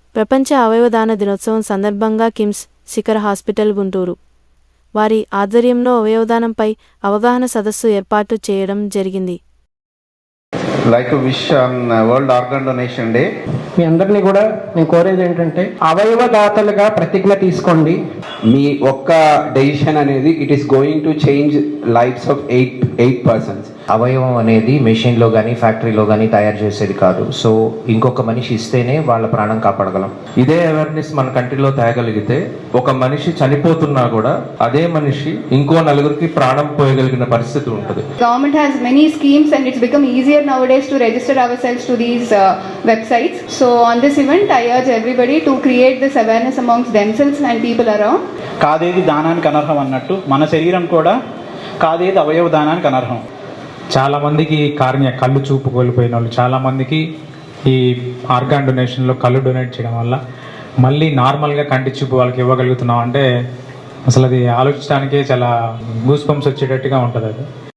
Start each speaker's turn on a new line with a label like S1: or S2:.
S1: ప్రపంచ అవయవదాన దినోత్సవం సందర్భంగా కిమ్స్ శిఖర్ హాస్పిటల్ గుంటూరు వారి ఆధ్వర్యంలో అవయవదానంపై అవగాహన సదస్సు ఏర్పాటు చేయడం జరిగింది.
S2: like to wish on World Organ Donation Day.
S3: మీ అందరినీ కూడా నేను కోరేది ఏంటంటే అవయవదాతలుగా ప్రతిజ్ఞ తీసుకోండి.
S4: మీ ఒక్క డెసిషన్ అనేది it is going to change lives of 8 persons.
S5: అవయవం అనేది మెషిన్లో కానీ ఫ్యాక్టరీలో కానీ తయారు చేసేది కాదు. సో ఇంకొక మనిషి ఇస్తేనే వాళ్ళ ప్రాణం కాపాడగలం.
S6: ఇదే అవేర్నెస్ మన కంట్రీలో తేగలిగితే ఒక మనిషి చనిపోతున్నా కూడా అదే మనిషి ఇంకో నలుగురికి ప్రాణం పోయగలిగిన పరిస్థితి ఉంటుంది.
S7: Government has many schemes and it's become easier nowadays to register ourselves to these websites. So on this event I urge everybody to create this awareness amongst themselves and people around.
S8: కాదేది దానానికి అనర్హం అన్నట్టు మన శరీరం కూడా కాదేది అవయవ దానానికి అనర్హం.
S9: చాలామందికి కళ్ళు చూపు కోల్పోయిన వాళ్ళు చాలామందికి ఈ ఆర్గాన్ డొనేషన్లో కళ్ళు డొనేట్ చేయడం వల్ల మళ్ళీ నార్మల్గా కంటి చూపు వాళ్ళకి ఇవ్వగలుగుతున్నాం అంటే అసలు అది ఆలోచించడానికే చాలా గూస్ బంప్స్ వచ్చేటట్టుగా ఉంటుంది అది.